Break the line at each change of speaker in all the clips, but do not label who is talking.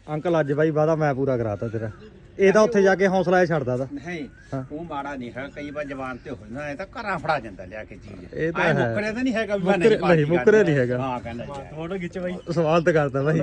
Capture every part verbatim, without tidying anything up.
Uncle ਅੱਜ ਬਾਈ ਵਾਦਾ ਮੈਂ ਪੂਰਾ ਕਰਾਤਾ ਤੇਰਾ। ਇਹ ਤਾਂ ਉੱਥੇ ਜਾ ਕੇ ਹੌਸਲਾ ਇਹ ਛੱਡਦਾ ਦਾ
ਨਹੀਂ ਉਹ ਮਾੜਾ ਨਹੀਂ ਹੈ। ਕਈ ਵਾਰ ਜਵਾਨ ਤੇ ਹੋ ਜਾਂਦਾ ਇਹ ਤਾਂ ਘਰਾਂ ਫੜਾ ਜਾਂਦਾ ਲਿਆ ਕੇ ਚੀਜ਼।
ਇਹ ਤਾਂ ਹੈ
ਮੁੱਕਰੇ ਤਾਂ ਨਹੀਂ ਹੈਗਾ ਵੀ
ਮੁੱਕਰੇ ਨਹੀਂ ਮੁੱਕਰੇ ਨਹੀਂ ਹੈਗਾ।
ਹਾਂ ਕਹਿੰਦਾ
ਫੋਟੋ ਖਿੱਚ ਬਾਈ
ਸਵਾਲ ਤਾਂ ਕਰਦਾ ਬਾਈ।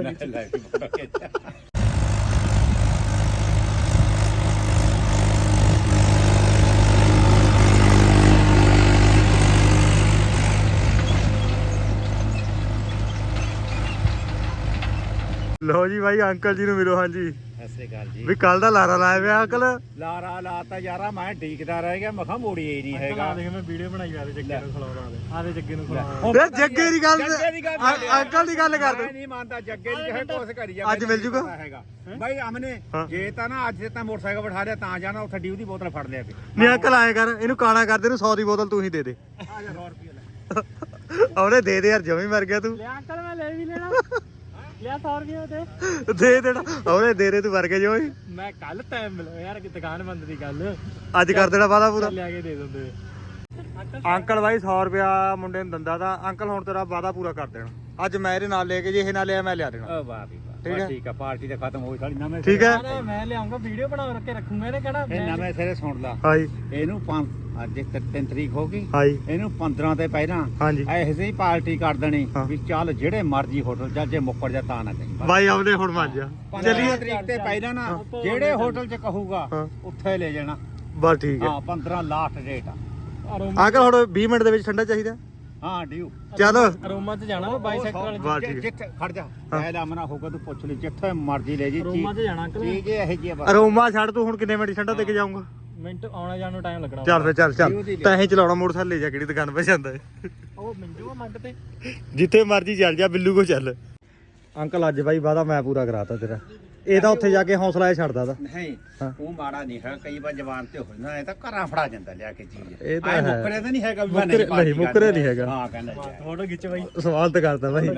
ਲੋ ਜੀ ਬਾਈ ਅੰਕਲ ਜੀ ਨੂੰ ਮਿਲੋ। ਹਾਂਜੀ
ਸਤਿ ਸ੍ਰੀ ਅਕਾਲ ਜੀ।
ਵੀ ਕੱਲ ਦਾ ਲਾਰਾ ਲਾਇਆ ਪਿਆ ਅੰਕਲ।
ਲਾਰਾ ਲਾਤਾ ਯਾਰਾ ਮੈਂ ਡੀਕਦਾ ਰਹਿ ਗਿਆ। ਮੈਂ ਕਿਹਾ ਮੋੜੀ ਹੀ ਨਹੀਂ ਹੈਗਾ।
ਦੇਖ ਮੈਂ ਵੀਡੀਓ ਬਣਾਈ ਆ ਜੱਗੇ ਨੂੰ ਖਲਾਉਣਾ ਦੇ ਆ ਦੇ ਜੱਗੇ ਨੂੰ ਖਲਾਉਣਾ।
ਇਹ ਜੱਗੇ ਦੀ ਗੱਲ
ਜੱਗੇ ਦੀ ਗੱਲ
ਅੰਕਲ ਦੀ ਗੱਲ ਕਰ
ਮੈਂ ਨਹੀਂ ਮੰਨਦਾ ਜੱਗੇ ਦੀ ਕਹੇ ਕੋਸ ਕਰੀ ਜਾ।
ਅੱਜ ਮਿਲ ਜੂਗਾ
ਬਾਈ ਅਮਨੇ ਜੇ ਤਾਂ ਨਾ ਅੱਜ ਤਾਂ ਮੋਟਰਸਾਈਕਲ ਬਿਠਾ ਲਿਆ ਤਾਂ ਜਾਣਾ ਉੱਥੇ ਡਿਊ ਦੀ ਬੋਤਲ ਫੜ ਲਿਆ ਤੇ
ਨਹੀਂ ਅੰਕਲ ਆਏ ਕਰ ਇਹਨੂੰ ਕਾਣਾ ਕਰਦੇ ਨੂੰ ਸੌ ਦੀ ਬੋਤਲ ਤੂੰ ਹੀ ਦੇ ਦੇ।
ਆ ਜਾ ਸੌ ਰੁਪਏ ਲੈ
ਉਹਨੇ ਦੇ ਦੇ ਯਾਰ ਜਮੀ ਮਰ ਗਿਆ ਤੂੰ।
ਲਿਆ ਅੰਕਲ ਮੈਂ ਲੈ ਵੀ ਲੈਣਾ ਲਿਆ ਸੌ ਰੁਪਏ ਦੇ
ਦੇ ਦੇਣਾ ਉਹਨੇ ਦੇ ਦੇ ਤੂੰ ਮਰ ਗਿਆ ਜਮੀ।
ਮੈਂ ਕੱਲ ਟਾਈਮ ਮਿਲੋ ਯਾਰ ਕਿ ਦੁਕਾਨ ਬੰਦ ਦੀ ਗੱਲ
ਅੱਜ ਕਰ ਦੇਣਾ ਵਾਦਾ ਪੂਰਾ।
ਲਿਆ ਕੇ ਦੇ ਦਿੰਦੇ
ਅੰਕਲ ਬਾਈ ਸੌ ਰੁਪਿਆ ਮੁੰਡੇ ਨੂੰ ਦਿੰਦਾ ਤਾਂ ਅੰਕਲ ਹੁਣ ਤੇਰਾ ਵਾਦਾ ਪੂਰਾ ਕਰ ਦੇਣਾ। ਅੱਜ ਮੈਂ ਇਹਦੇ ਨਾਲ ਲੈ ਕੇ ਜੇ ਇਹ ਨਾਲ ਲਿਆ ਮੈਂ ਲਿਆ ਦੇਣਾ।
ਓ ਵਾਹ ਵੀ
ਠੀਕ ਹੈ।
ਵਾਹ ਠੀਕ ਆ ਪਾਰਟੀ ਤਾਂ ਖਤਮ ਹੋਈ ਸਾਡੀ ਨਵੇਂ
ਠੀਕ ਹੈ।
ਮੈਂ ਲਿਆਉਂਗਾ ਵੀਡੀਓ ਬਣਾ ਕੇ ਰੱਖੂਗਾ ਇਹਨੇ ਕਹਿਣਾ
ਇਹ ਨਵੇਂ ਸਿਰੇ ਸੁਣ ਲਾ।
ਹਾਂਜੀ
ਇਹਨੂੰ ਪੰਜ ਅੱਜ ਤਿੰਨ ਤਰੀਕ ਹੋ ਗਈ।
ਹਾਂਜੀ
ਇਹਨੂੰ ਪੰਦਰਾਂ ਤੇ ਪਹਿਲਾਂ
ਹਾਂਜੀ
ਇਹੋ ਜਿਹੀ ਪਾਰਟੀ ਕਰ ਦੇਣੀ
ਹਾਂ।
ਵੀ ਚੱਲ ਜਿਹੜੇ ਮਰਜ਼ੀ ਹੋਟਲ ਜਾ ਜੇ ਮੁੱਕਰ ਜਾ ਤਾਂ ਨਾ ਕਹੀਂ।
ਬਾਈ ਆਉਨੇ ਹੁਣ ਮੰਨ ਜਾ
ਪੰਦਰਾਂ ਤਰੀਕ ਤੇ ਪਹਿਲਾਂ ਨਾ ਜਿਹੜੇ ਹੋਟਲ 'ਚ ਕਹੂਗਾ
ਹਾਂ।
ਉੱਥੇ ਲੈ ਜਾਣਾ।
ਬਸ ਠੀਕ ਹੈ।
ਹਾਂ ਪੰਦਰਾਂ ਲਾਸਟ ਡੇਟ ਆ।
ਅੰਕਲ ਹੁਣ ਵੀਹ ਮਿੰਟ ਦੇ ਵਿੱਚ ਠੰਡਾ ਚਾਹੀਦਾ।
ਹਾਂ ਡਿਊ
ਚਲੋ
ਅਰੋਮਾ ਚ ਜਾਣਾ ਬਾਈ ਸੈਕਟਰ ਵਾਲੇ
ਵਾਹ ਠੀਕ ਹੈ।
ਜਿੱਥੇ ਖੜ ਜਾ ਮੈਂ ਲਾਮਣਾ ਹੋਊਗਾ ਤੂੰ ਪੁੱਛ ਲਈ ਜਿੱਥੇ ਮਰਜ਼ੀ ਲੈ ਜੀ
ਅਰੋਮਾ ਚ ਜਾਣਾ ਅੰਕਲ
ਚੀਜ਼ ਇਹ ਜੀ ਆ ਬਸ।
ਅਰੋਮਾ ਛੱਡ ਤੂੰ ਹੁਣ ਕਿੰਨੇ ਮਿੰਟ ਠੰਡਾ ਦੇ ਕੇ ਜਾਊਂਗਾ।
ਮਿੰਟ ਆਉਣਾ ਜਾਣ ਨੂੰ ਟਾਈਮ ਲੱਗਣਾ
ਚੱਲ ਫੇ ਚੱਲ ਚੱਲ ਤਾਂ ਹੀ ਚਲਾਉਣਾ ਮੋਟਰਸਾਈਕਲ ਲੈ ਜਾ ਕਿਹੜੀ ਦੁਕਾਨ ਪੇ ਜਾਂਦਾ ਹੈ।
ਉਹ ਮਿੰਜੂਗਾ ਮੰਡ ਤੇ
ਜਿੱਥੇ ਮਰਜ਼ੀ ਚੱਲ ਜਾ ਬਿੱਲੂ ਕੋ ਚੱਲ। ਅੰਕਲ ਅੱਜ ਬਾਈ ਵਾਦਾ ਮੈਂ ਪੂਰਾ ਕਰਾਤਾ ਤੇਰਾ। ਇਹ ਤਾਂ ਉੱਥੇ ਜਾ ਕੇ ਹੌਸਲਾ ਇਹ ਛੱਡਦਾ ਦਾ।
ਨਹੀਂ ਉਹ ਮਾੜਾ ਨਹੀਂ ਹੈ। ਕਈ ਵਾਰ ਜਵਾਨ ਤੇ ਹੋ ਜਾਂਦਾ ਇਹ ਤਾਂ ਘਰਾਂ ਫੜਾ ਜਾਂਦਾ ਲਿਆ ਕੇ ਚੀਜ਼।
ਇਹ ਤਾਂ ਹੈ
ਮੁੱਕਰੇ ਤਾਂ ਨਹੀਂ ਹੈਗਾ ਵੀ ਮੈਂ
ਮੁੱਕਰੇ ਨਹੀਂ ਮੁੱਕਰੇ ਨਹੀਂ ਹੈਗਾ।
ਹਾਂ ਕਹਿੰਦਾ
ਫੋਟੋ ਖਿੱਚ ਬਾਈ
ਸਵਾਲ ਤਾਂ ਕਰਦਾ ਬਾਈ।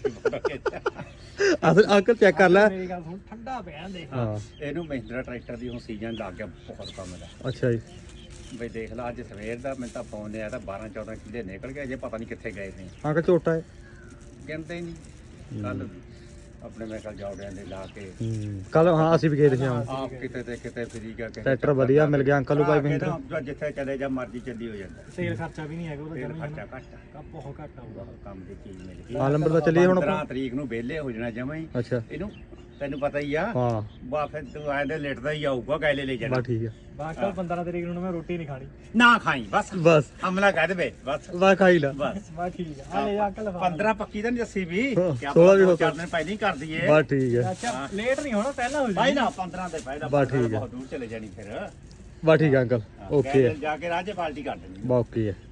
ਜੀ
ਅਸਲ ਅੰਕਲ ਚੈੱਕ ਕਰ ਲੈ।
ਮੇਰੀ ਗੱਲ ਸੁਣ ਠੰਡਾ ਪਿਆ ਦੇਖ
ਹਾਂ
ਇਹਨੂੰ ਮਹਿੰਦਰਾ ਟਰੈਕਟਰ ਦੀ ਹੁਣ ਸੀਜ਼ਨ ਲੱਗ ਗਿਆ ਬਹੁਤ ਕੰਮ ਦਾ।
ਅੱਛਾ ਜੀ
ਬਈ ਦੇਖ ਲਾ ਅੱਜ ਸਵੇਰ ਦਾ ਮੈਨੂੰ ਤਾਂ ਫੋਨ ਆਇਆ ਤਾਂ ਬਾਰਾਂ ਚੌਦਾਂ ਕਿੱਲੇ ਨਿਕਲ ਗਏ ਅਜੇ ਪਤਾ ਨਹੀਂ ਕਿੱਥੇ ਗਏ ਨੇ।
ਅੰਕਲ ਝੋਟਾ ਹੈ।
ਕਹਿੰਦੇ ਹੀ ਨਹੀਂ ਕੱਲ ਆਪਣੇ ਮੈਂ ਕੱਲ ਜੌੜਿਆਂ ਦੇ ਲਾ ਕੇ
ਕੱਲ ਹਾਂ ਅਸੀਂ ਵੀ ਗਏ ਸੀ ਆਮ
ਆਪ ਕਿਤੇ ਤੇ ਕਿਤੇ ਫਰੀ ਗਿਆ ਕਿ
ਟਰੈਕਟਰ ਵਧੀਆ ਮਿਲ ਗਿਆ ਅੰਕਲ ਨੂੰ ਭਾਈ ਮਹਿੰਦਰਾ।
ਜਿੱਥੇ ਚਲੇ ਜਾ ਮਰਜ਼ੀ ਚੱਲੀ ਹੋ ਜਾਂਦਾ।
ਤੇਲ ਖਰਚਾ ਵੀ ਨਹੀਂ ਹੈਗਾ ਉਹਦਾ
ਤੇਲ
ਜਮੀ
ਖਰਚਾ ਘੱਟ ਆ।
ਬਹੁਤ ਘੱਟ ਆਊਗਾ
ਕੰਮ ਦੀ ਚੀਜ਼ ਮਿਲ ਗਈ।
ਹਾਂ ਨੰਬਰ ਤਾਂ ਚੱਲੀਏ ਹੁਣ ਆਪਾਂ।
ਪੰਦਰਾਂ ਤਰੀਕ ਨੂੰ ਵਿਹਲੇ ਹੋ ਜਾਣਾ ਜਮਾਂ ਹੀ।
ਅੱਛਾ
ਇਹਨੂੰ ਤੈਨੂੰ ਪਤਾ ਹੀ ਆ।
ਹਾਂ
ਬਾ ਫਿਰ ਤੂੰ ਆਏ ਦੇ ਲੇਟਦਾ ਹੀ ਆਊਗਾ ਗੈਲੇ ਲੈ ਜਾਣਾ।
ਬਸ ਠੀਕ ਹੈ।
ਬਾਕੀ ਪੰਦਰਾਂ ਤਰੀਕ ਨੂੰ ਮੈਂ ਰੋਟੀ ਨਹੀਂ ਖਾਣੀ
ਨਾ ਖਾਈ ਬਸ
ਬਸ
ਹਮਲਾ ਕਰ ਦੇਵੇ ਬਸ
ਬਸ ਖਾਈ ਲਾ।
ਬਸ
ਬਸ ਠੀਕ ਆ ਆ ਲੈ ਜਾ ਅੰਕਲ
ਪੰਦਰਾਂ ਪੱਕੀ ਤਾਂ ਨਹੀਂ ਦੱਸੀ ਵੀ
ਹਾਂ,
ਕਿ
ਸੋਲਾਂ ਵੀ ਹੋ
ਆਪਾਂ ਚਾਰ ਦਿਨ ਪਹਿਲਾਂ ਹੀ ਕਰ ਦਈਏ।
ਬਸ ਠੀਕ ਹੈ।
ਅੱਛਾ ਲੇਟ ਨਹੀਂ ਹੋਣਾ ਪਹਿਲਾਂ ਹੋ
ਭਾਈ
ਜਾਏ
ਨਾ ਪੰਦਰਾਂ ਦੇ ਪਹਿਲਾਂ
ਬਸ ਠੀਕ ਹੈ।
ਬਹੁਤ ਦੂਰ ਚਲੇ ਜਾਣੀ ਫਿਰ।
ਬਸ ਠੀਕ ਹੈ ਅੰਕਲ ਓਕੇ ਹੈ।
ਜਾ ਕੇ ਰਾਜੇ ਪਾਰਟੀ ਕਰ ਦੇਣੀ।
ਬਸ ਓਕੇ ਹੈ।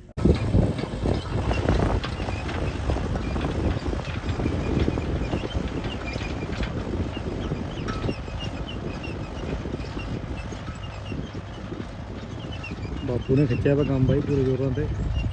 ਬਾਪੂ ਨੇ ਖਿੱਚਿਆ ਵਾ ਕੰਮ ਬਾਈ ਪੂਰੇ ਜ਼ੋਰਾਂ ਤੇ।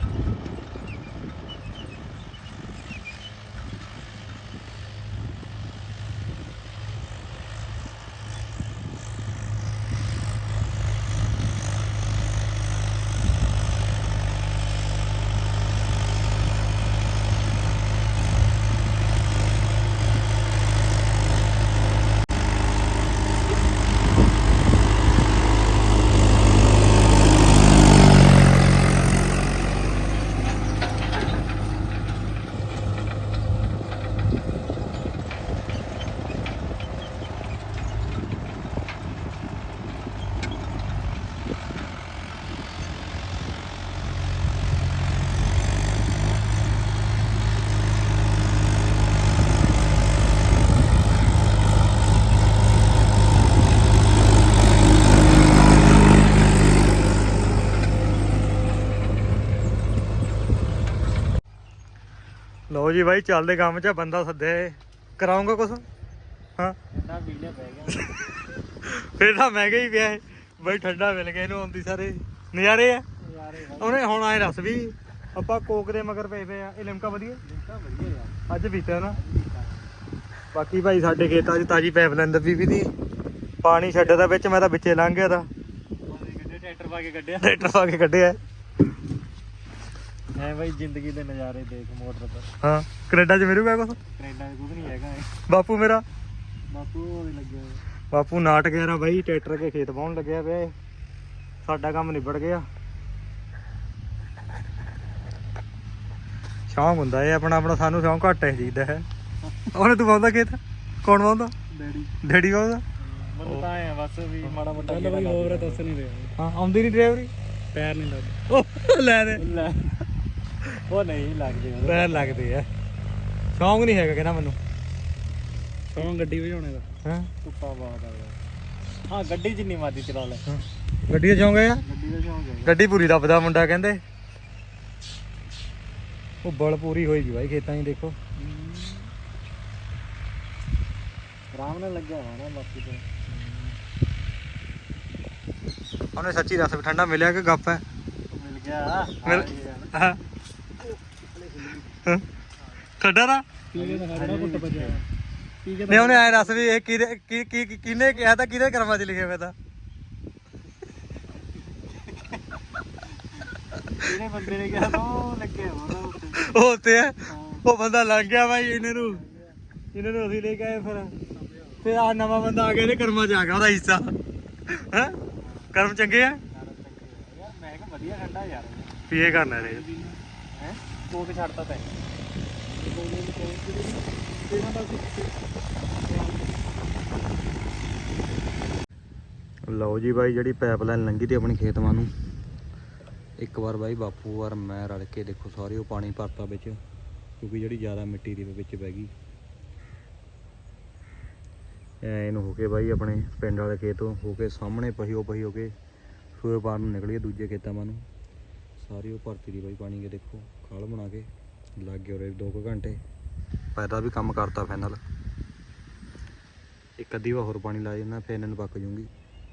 ਲਓ ਜੀ ਬਾਈ ਚੱਲਦੇ ਕੰਮ 'ਚ ਬੰਦਾ ਸੱਦੇ ਕਰਾਉਂਗਾ ਕੁਛ। ਹਾਂ
ਠੰਡਾ ਵੀਡੀਓ ਪੈ ਗਿਆ
ਫਿਰ ਤਾਂ ਮਹਿੰਗਾ ਹੀ ਪਿਆ ਇਹ ਬਾਈ। ਠੰਡਾ ਮਿਲ ਗਿਆ ਇਹਨੂੰ ਆਉਂਦੀ ਸਾਰੇ ਨਜ਼ਾਰੇ ਆ।
ਯਾਰੇ
ਉਹਨੇ ਹੁਣ ਆਏ ਦੱਸ ਵੀ ਆਪਾਂ ਕੋਕ ਦੇ ਮਗਰ ਪਏ ਪਏ ਆ। ਇਹ ਲਿਮਕਾ ਵਧੀਆ
ਲਿੰਕਾ ਵਧੀਆ ਯਾਰ
ਅੱਜ ਪੀਤਾ ਨਾ। ਬਾਕੀ ਭਾਈ ਸਾਡੇ ਖੇਤਾਂ 'ਚ ਤਾਜੀ ਪਾਈਪਲਾਈਨ ਦੱਬੀ ਵੀ ਦੀ ਪਾਣੀ ਛੱਡਦਾ ਵਿੱਚ। ਮੈਂ ਤਾਂ ਵਿੱਚੇ ਲੰਘ ਗਿਆ ਤਾਂ
ਗੱਡੇ ਟਰੈਕਟਰ ਪਾ ਕੇ ਕੱਢਿਆ
ਟਰੈਕਟਰ ਪਾ ਕੇ ਕੱਢਿਆ।
ਐ ਬਾਈ ਜ਼ਿੰਦਗੀ ਦੇ ਨਜ਼ਾਰੇ ਦੇਖ ਮੋਟਰ ਪਰ।
ਹਾਂ ਕੈਨੇਡਾ 'ਚ ਮਿਲੂਗਾ ਕੁਛ।
ਕੈਨੇਡਾ ਦੇ ਕੁਝ ਨਹੀਂ ਹੈਗਾ ਇਹ।
ਬਾਪੂ ਮੇਰਾ
ਬਾਪੂ ਉਹਦੇ ਲੱਗਿਆ ਹੋਇਆ।
ਬਾਪੂ ਨਾਟਕ ਯਾਰਾ ਬਾਈ ਟਰੈਕਟਰ ਕੇ ਖੇਤ ਵਾਹੁਣ ਲੱਗਿਆ ਪਿਆ ਏ। ਸਾਡਾ ਕੰਮ ਨਿਬੜ ਗਿਆ। ਸ਼ੌਂਕ ਹੁੰਦਾ ਏ ਆਪਣਾ ਆਪਣਾ, ਸਾਨੂੰ ਸ਼ੌਂਕ ਘੱਟ ਹੈ ਚੀਜ਼ ਦਾ ਹੈ। ਉਹਨੇ ਤੂੰ ਵਾਹੁੰਦਾ ਖੇਤ? ਕੌਣ ਵਾਹੁੰਦਾ?
Daddy
daddy ਵਾਹੁੰਦਾ?
ਮੈਨੂੰ ਤਾਂ ਆਏ ਆ ਬਸ ਵੀ ਮਾੜਾ ਮੋਟਾ ਚੱਲ ਬਈ ਹੋਰ ਦੱਸ ਨਹੀਂ ਰਿਹਾ।
ਹਾਂ ਆਉਂਦੀ ਨਹੀਂ ਡਰਾਈਵਰੀ?
ਪੈਰ ਨਹੀਂ ਲੱਗਦੇ।
ਉਹ ਲੈ ਦੇ
ਲੈ ਉਹ ਨਹੀਂ ਲੱਗਦੇ ਉਹਦੇ।
ਪੈਰ ਲੱਗਦੇ ਆ। ਸ਼ੌਂਕ ਨਹੀਂ ਹੈਗਾ ਕਹਿੰਦਾ ਮੈਨੂੰ।
ਸੌਂ ਗੱਡੀ ਵਜਾਉਣੇ ਦਾ।
ਹਾਂ
ਧੁੱਪਾ ਬਹੁਤ ਆ ਯਾਰ। ਹਾਂ ਗੱਡੀ ਜਿੰਨੀ ਮਰਜ਼ੀ ਚਲਾ ਲੈ।
ਗੱਡੀ ਦਾ ਸ਼ੌਂਕ ਹੈ?
ਗੱਡੀ ਦਾ ਸ਼ੌਂਕ ਹੈ।
ਗੱਡੀ ਪੂਰੀ ਦੱਬਦਾ ਮੁੰਡਾ ਕਹਿੰਦੇ। ਉਹ ਬਲ ਪੂਰੀ ਹੋਈ ਵੀ ਬਾਈ ਖੇਤਾਂ 'ਚ ਦੇਖੋ।
ਆਰਾਮ ਨਾਲ ਲੱਗਿਆ ਹੋਣਾ ਨਾ ਬਾਕੀ ਤੇ।
ਉਹਨੇ ਸੱਚੀ ਦੱਸ ਵੀ ਠੰਡਾ ਮਿਲਿਆ ਕਿ ਗੱਪ ਹੈ?
ਮਿਲ ਗਿਆ।
ਮਿਲ ਹਾਂ ਠੰਡਾ ਦਾ
ਪੀਲੇ ਦਾ ਖੜਾ ਘੁੱਟ ਬਚਿਆ।
ਨਹੀਂ ਉਹਨੇ ਆਏ ਦੱਸ ਵੀ ਇਹ ਕਿਹਦੇ ਕੀ ਕੀ ਕਿਹਨੇ ਕਿਹਾ ਤਾਂ ਕਿਹਦੇ ਕਰਮਾਂ 'ਚ ਲਿਖਿਆ ਹੋਇਆ ਤਾਂ?
ਇਹਨੇ ਬੰਦੇ ਨੇ ਕਿਹਾ ਤਾਂ ਉਹ ਲੱਗਿਆ ਹੋਣਾ ਉੱਤੇ।
ਉਹ ਉੱਤੇ ਹੈ। ਉਹ ਬੰਦਾ ਲੰਘ ਗਿਆ ਬਾਈ ਇਹਨਾਂ ਨੂੰ। ਇਹਨਾਂ ਨੂੰ ਅਸੀਂ ਲੈ ਕੇ ਆਏ ਫਿਰ ਫਿਰ ਆ ਨਵਾਂ ਬੰਦਾ ਆ ਗਿਆ, ਇਹਦੇ ਕਰਮਾਂ 'ਚ ਆ ਗਿਆ ਉਹਦਾ ਹਿੱਸਾ। ਹੈ ਕਰਮ ਚੰਗੇ ਆ
ਯਾਰ ਮੈਂ ਕਿਹਾ ਵਧੀਆ ਠੰਡਾ ਯਾਰ।
ਪੀਏ ਕਰਨਾ ਰੇ
ਹੈ ਕੋਕ ਛੱਡਤਾ ਤੈਂ।
ਲਓ ਜੀ ਬਾਈ ਜਿਹੜੀ ਪਾਈਪਲਾਈਨ ਲੰਘੀ ਤੀ ਆਪਣੀ ਖੇਤਵਾਂ ਨੂੰ, ਇੱਕ ਵਾਰ ਬਾਈ ਬਾਪੂ ਵਾਰ ਮੈਂ ਰਲ ਕੇ ਦੇਖੋ ਸਾਰੇ ਉਹ ਪਾਣੀ ਭਰਤਾ ਵਿੱਚ, ਕਿਉਂਕਿ ਜਿਹੜੀ ਜ਼ਿਆਦਾ ਮਿੱਟੀ ਦੀ ਵਿੱਚ ਪੈ ਗਈ। ਐ ਇਹਨੂੰ ਹੋ ਕੇ ਬਾਈ ਆਪਣੇ ਪਿੰਡ ਵਾਲੇ ਖੇਤੋਂ ਹੋ ਕੇ ਸਾਹਮਣੇ ਪਹੀਓ ਪਹੀ ਹੋ ਕੇ ਸੂਏ ਪਾਰ ਨੂੰ ਨਿਕਲੀ ਦੂਜੇ ਖੇਤਾਂ ਵੱਲ ਨੂੰ। ਸਾਰੀ ਉਹ ਭਰਤੀ ਦੀ ਬਾਈ ਪਾਣੀ ਕੇ ਦੇਖੋ ਖਾਲ ਬਣਾ ਕੇ ਲੱਗ ਗਏ ਉਰੇ ਦੋ ਕੁ ਘੰਟੇ। ਪੈਦਾ ਵੀ ਕੰਮ ਕਰਤਾ ਫਾਈਨਲ। ਇੱਕ ਅੱਧੀ ਵਾਰ ਹੋਰ ਪਾਣੀ ਲਾ ਜਾਂਦਾ ਫਿਰ ਇਹਨਾਂ ਨੂੰ ਪੱਕ ਜੂਗੀ।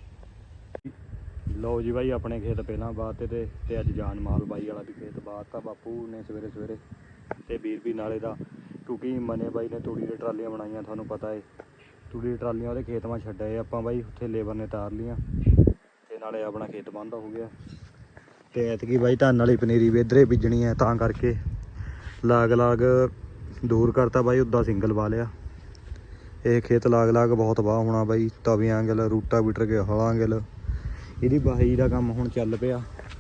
ਲਓ ਜੀ ਬਾਈ ਆਪਣੇ ਖੇਤ ਪਹਿਲਾਂ ਬਾਤ ਤੇ ਤੇ ਤੇ ਅੱਜ ਜਾਨ ਮਾਲ ਬਾਈ ਵਾਲਾ ਵੀ ਖੇਤ ਬਾਤ ਤਾਂ ਬਾਪੂ ਨੇ ਸਵੇਰੇ ਸਵੇਰੇ ਤੇ ਵੀਰ ਵੀ ਨਾਲੇ ਦਾ, ਕਿਉਂਕਿ ਮਨੇ ਬਾਈ ਨੇ ਤੂੜੀ ਦੇ ਟਰਾਲੀਆਂ ਬਣਾਈਆਂ ਤੁਹਾਨੂੰ ਪਤਾ ਏ। ਤੂੜੀ ਦੀ ਟਰਾਲੀਆਂ ਉਹਦੇ ਖੇਤ ਮਾ ਛੱਡਿਆ ਆਪਾਂ ਬਾਈ, ਉੱਥੇ ਲੇਬਰ ਨੇ ਤਾਰ ਲੀਆਂ ਤੇ ਨਾਲੇ ਆਪਣਾ ਖੇਤ ਬੰਦ ਹੋ ਗਿਆ। ਤੇ ਐਤਕੀ ਬਾਈ ਧਾਨ ਵਾਲੀ ਪਨੀਰੀ ਵੀ ਇੱਧਰੇ ਬੀਜਣੀ ਹੈ ਤਾਂ ਕਰਕੇ ਲਾਗ ਲਾਗ ਦੂਰ ਕਰਤਾ ਬਾਈ, ਉੱਦਾਂ ਸਿੰਗਲ ਵਾ ਲਿਆ। ਇਹ ਖੇਤ ਲਾਗ ਲਾਗ ਬਹੁਤ ਵਾਹ ਹੋਣਾ ਬਾਈ, ਤਵੀਆਂ ਗਿਲ ਰੂਟਾ ਬੀਟਰ ਕੇ ਹਲਾਂ ਗਿਲ ਇਹਦੀ ਬਾਹੀ ਦਾ ਕੰਮ ਹੁਣ ਚੱਲ ਪਿਆ।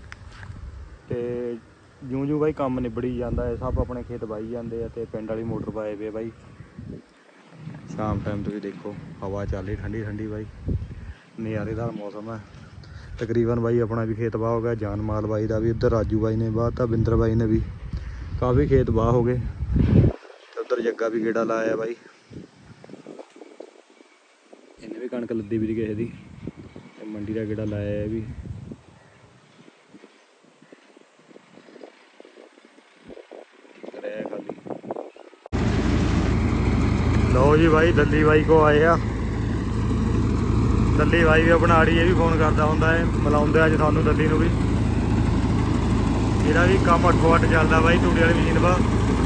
ਤੇ ਜਿਉਂ ਜਿਉਂ ਬਾਈ ਕੰਮ ਨਿਬੜੀ ਜਾਂਦਾ ਹੈ ਸਭ ਆਪਣੇ ਖੇਤ ਵਾਹੀ ਜਾਂਦੇ ਆ ਤੇ ਪਿੰਡ ਵਾਲੀ ਮੋਟਰ ਪਾਏ ਵੇ ਬਾਈ। ਸ਼ਾਮ ਟਾਈਮ ਤੁਸੀਂ ਦੇਖੋ ਹਵਾ ਚੱਲ ਰਹੀ ਠੰਡੀ ਠੰਡੀ ਬਾਈ, ਨਜ਼ਾਰੇਦਾਰ ਮੌਸਮ ਹੈ। ਤਕਰੀਬਨ ਬਾਈ ਆਪਣਾ ਵੀ ਖੇਤ ਵਾਹ ਹੋ ਗਿਆ, ਜਾਨ ਮਾਲ ਬਾਈ ਦਾ ਵੀ, ਉੱਧਰ ਰਾਜੂ ਬਾਈ ਨੇ ਵਾਹ ਤਾਂ ਬਿੰਦਰ ਬਾਈ ਨੇ ਵੀ ਕਾਫੀ ਖੇਤ ਵਾਹ ਹੋ ਗਏ। ਉੱਧਰ ਜੱਗਾ ਵੀ ਗੇੜਾ ਲਾਇਆ ਬਾਈ, ਇਹਨੇ ਵੀ ਕਣਕ ਲੱਦੀ ਵੀ ਕਿਸੇ ਦੀ ਤੇ ਮੰਡੀ ਦਾ ਗੇੜਾ ਲਾਇਆ ਇਹ ਵੀ। ਲਓ ਜੀ ਬਾਈ ਦੱਲੀ ਬਾਈ ਕੋ ਆਏ ਆ। ਦੱਲੀ ਬਾਈ ਵੀ ਆਪਣਾ ਆੜੀ ਇਹ ਵੀ ਫੋਨ ਕਰਦਾ ਹੁੰਦਾ ਹੈ, ਮਿਲਾਉਂਦੇ ਅੱਜ ਤੁਹਾਨੂੰ ਦੱਲੀ ਨੂੰ ਵੀ। ਇਹਦਾ ਵੀ ਕੰਮ ਅੱਠੋ ਅੱਠ ਚੱਲਦਾ ਬਾਈ ਤੂੜੀ ਵਾਲੀ ਮਸ਼ੀਨ ਵਾ।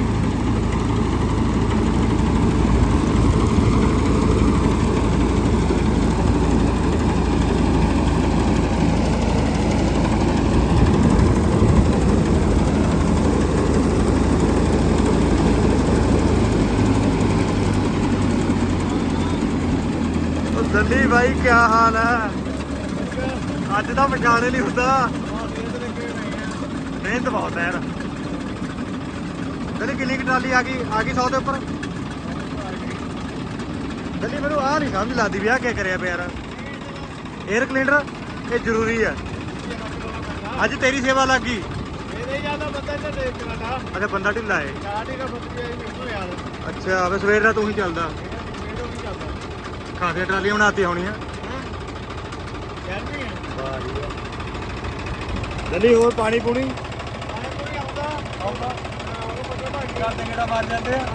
ਦੱਲੀ ਬਾਈ ਕੀ ਹਾਲ ਹੈ? ਅੱਜ ਤਾਂ ਪਛਾਣੇ ਨਹੀਂ ਹੁੰਦਾ, ਮਿਹਨਤ ਬਹੁਤ ਹੈ ਯਾਰ। ਦੱਲੀ ਕਿੰਨੀ ਕੁ ਟਰਾਲੀ ਆ ਗਈ? ਆ ਗਈ ਸੌ ਦੇ ਉੱਪਰ। ਦੱਲੀ ਮੈਨੂੰ ਆਹ ਨਹੀਂ ਸਮਝ ਲੱਗਦੀ ਵੀ ਆਹ ਕੀ ਕਰਿਆ ਪਿਆ ਯਾਰ। 에ਅਰ ਕਲੀਨਰ ਇਹ ਜ਼ਰੂਰੀ ਹੈ। ਅੱਜ ਤੇਰੀ ਸੇਵਾ ਲੱਗ ਗਈ। ਅੱਛਾ ਬੰਦਾ ਢਿੱਲਾ ਹੈ। ਅੱਛਾ ਵੇ ਸਵੇਰ ਦਾ ਤੂੰ ਹੀ ਚੱਲਦਾ। ਖਾਸੀਆਂ ਟਰਾਲੀਆਂ ਬਣਾਤੀਆਂ ਹੋਣੀਆਂ। ਦੱਲੀ ਹੋਰ ਪਾਣੀ ਪੂਣੀ ਮਾਰ ਜਾਂਦੇ ਆ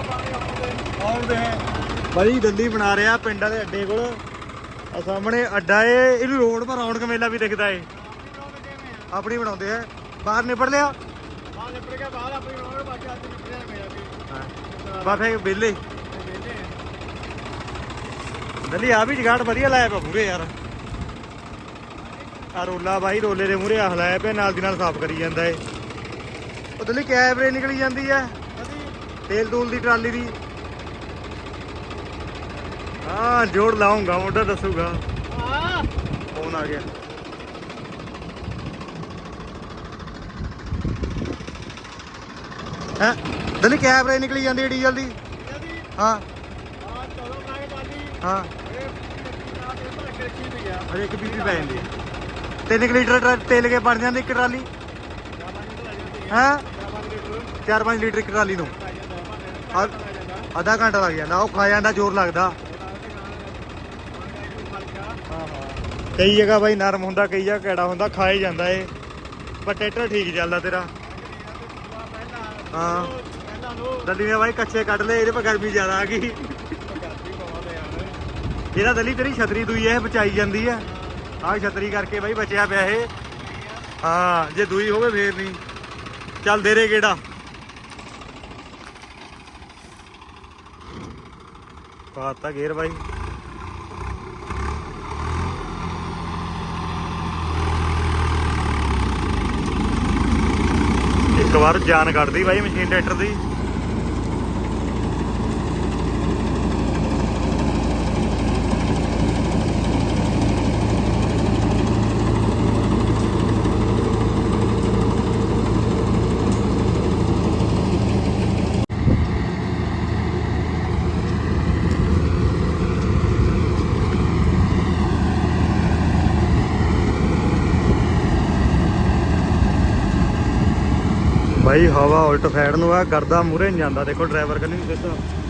ਬਾਈ। ਦੱਲੀ ਬਣਾ ਰਿਹਾ ਪਿੰਡਾਂ ਦੇ ਅੱਡੇ ਕੋਲ, ਆ ਸਾਹਮਣੇ ਅੱਡਾ ਏ, ਇਹਨੂੰ ਰੋਡ ਪਰ ਰੌਣਕ ਮੇਲਾ ਵੀ ਦਿਖਦਾ ਏ। ਆਪਣੀ ਬਣਾਉਂਦੇ ਆ। ਬਾਹਰ ਨਿਬੜ ਲਿਆ ਬਾ ਫੇ ਵਿਹਲੇ। ਦੱਲੀ ਆ ਵੀ ਜਗਾੜ ਵਧੀਆ ਲਾਇਆ ਪਿਆ ਮੂਰੇ ਯਾਰ। ਆ ਰੋਲਾ ਬਾਈ ਰੋਲੇ ਦੇ ਮੂਹਰੇ ਆਹ ਲਾਇਆ ਪਿਆ, ਨਾਲ ਦੀ ਨਾਲ ਸਾਫ਼ ਕਰੀ ਜਾਂਦਾ ਏ। ਉਹ ਦੱਲੀ ਕੈਬਰੇ ਨਿਕਲੀ ਜਾਂਦੀ ਹੈ ਤੇਲ ਤੂਲ ਦੀ ਟਰਾਲੀ ਦੀ। ਹਾਂ ਜੋੜ ਲਾਉਂਗਾ ਮੁੰਡਾ ਦੱਸੂਗਾ
ਹਾਂ
ਫੋਨ ਆ ਗਿਆ ਹੈ ਦਲੀ ਕੈਮਰੇ ਨਿਕਲੀ ਜਾਂਦੀ ਡੀਜ਼ਲ ਦੀ ਹਾਂ
ਆ ਚਲੋ ਮੈਂ ਬਾਲੀ
ਹਾਂ
ਇਹ ਨਾ ਤੇ ਭਰ ਕੇ ਰੱਖੀ ਪਈ ਆ
ਅਜੇ ਇੱਕ ਬੀਬੀ ਪੈ ਜਾਂਦੀ ਤਿੰਨ ਕੁ ਲੀਟਰ ਟਰਾ- ਤੇਲ ਕੇ ਬਣ ਜਾਂਦੀ ਇੱਕ ਟਰਾਲੀ ਹੈਂ ਚਾਰ ਪੰਜ ਲੀਟਰ ਇੱਕ ਟਰਾਲੀ ਨੂੰ ਆ- ਅੱਧਾ ਘੰਟਾ ਲੱਗ ਜਾਂਦਾ ਉਹ ਖਾ ਜਾਂਦਾ ਜ਼ੋਰ ਲੱਗਦਾ ਕਈ ਜਗ੍ਹਾ ਬਾਈ ਨਰਮ ਹੁੰਦਾ ਕਈ ਜਗ੍ਹਾ ਕੈੜਾ ਹੁੰਦਾ ਖਾਏ ਜਾਂਦਾ ਏ ਪਰ ਟਰੈਕਟਰ ਠੀਕ ਚੱਲਦਾ ਤੇਰਾ ਹਾਂ ਦੱਲੀ ਨੇ ਬਾਈ ਕੱਚੇ ਕੱਢ ਲਏ ਇਹਦੇ ਪਰ ਗਰਮੀ ਜ਼ਿਆਦਾ ਆ ਗਈ ਇਹਦਾ ਦੱਲੀ ਤੇਰੀ ਛਤਰੀ ਦੂਈ ਇਹ ਬਚਾਈ ਜਾਂਦੀ ਆ ਆਹ ਛਤਰੀ ਕਰਕੇ ਬਾਈ ਬਚਿਆ ਪਿਆ ਇਹ ਹਾਂ ਜੇ ਦੂਈ ਹੋਵੇ ਫੇਰ ਨਹੀਂ ਚੱਲ ਦੇ ਰੇ ਕਿਹੜਾ ਪਾਤਾ ਗੇਰ ਬਾਈ ਇੱਕ ਵਾਰ ਜਾਨ ਕੱਢਦੀ ਬਾਈ ਮਸ਼ੀਨ ਟਰੈਕਟਰ ਦੀ ਬਾਈ ਹਵਾ ਉਲਟ ਸਾਈਡ ਨੂੰ ਆ ਕਰਦਾ ਮੂਹਰੇ ਨਹੀਂ ਜਾਂਦਾ ਦੇਖੋ ਡਰਾਈਵਰ ਕੰਨੀ ਨੂੰ ਸਿੱਧਾ